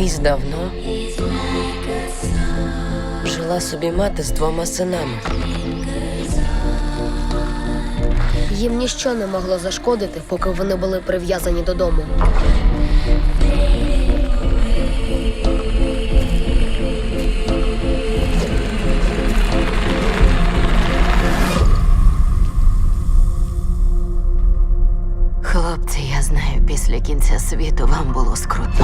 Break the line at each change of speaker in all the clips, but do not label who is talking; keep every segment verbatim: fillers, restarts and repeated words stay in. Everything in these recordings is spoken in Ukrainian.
Колись давно жила собі мати з двома синами.
Їм ніщо не могло зашкодити, поки вони були прив'язані додому.
Хлопці, я знаю, після кінця світу вам було скрутно.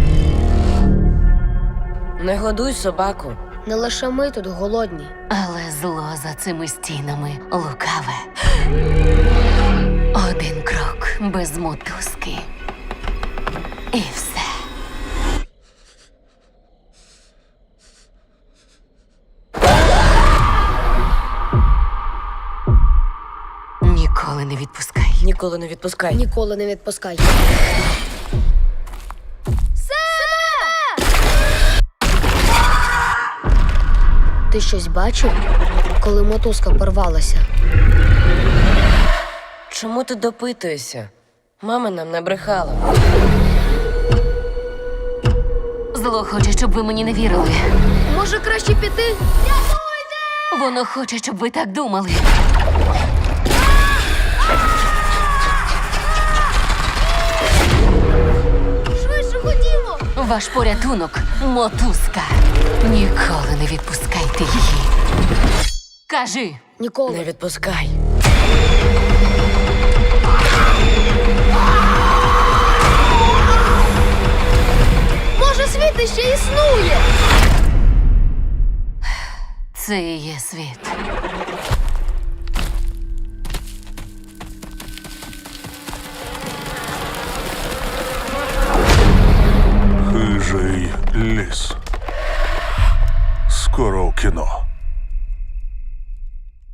Не годуй собаку.
Не лише ми тут голодні.
Але зло за цими стінами лукаве. Один крок без мотузки. І все. Ніколи не відпускай.
Ніколи не відпускай.
Ніколи не відпускай. Ти щось бачив, коли мотузка порвалася?
Чому ти допитуєшся? Мама нам не брехала.
Зло хоче, щоб ви мені не вірили.
Може, краще піти?
Воно хоче, щоб ви так думали.
Швидше ходімо!
Ваш порятунок – мотузка. Ніколи не відпускайте її. Кажи.
Ніколи.
Не відпускай.
Може, світ ще існує?
Це і є світ.
Хижий ліс. Скоро в кіно.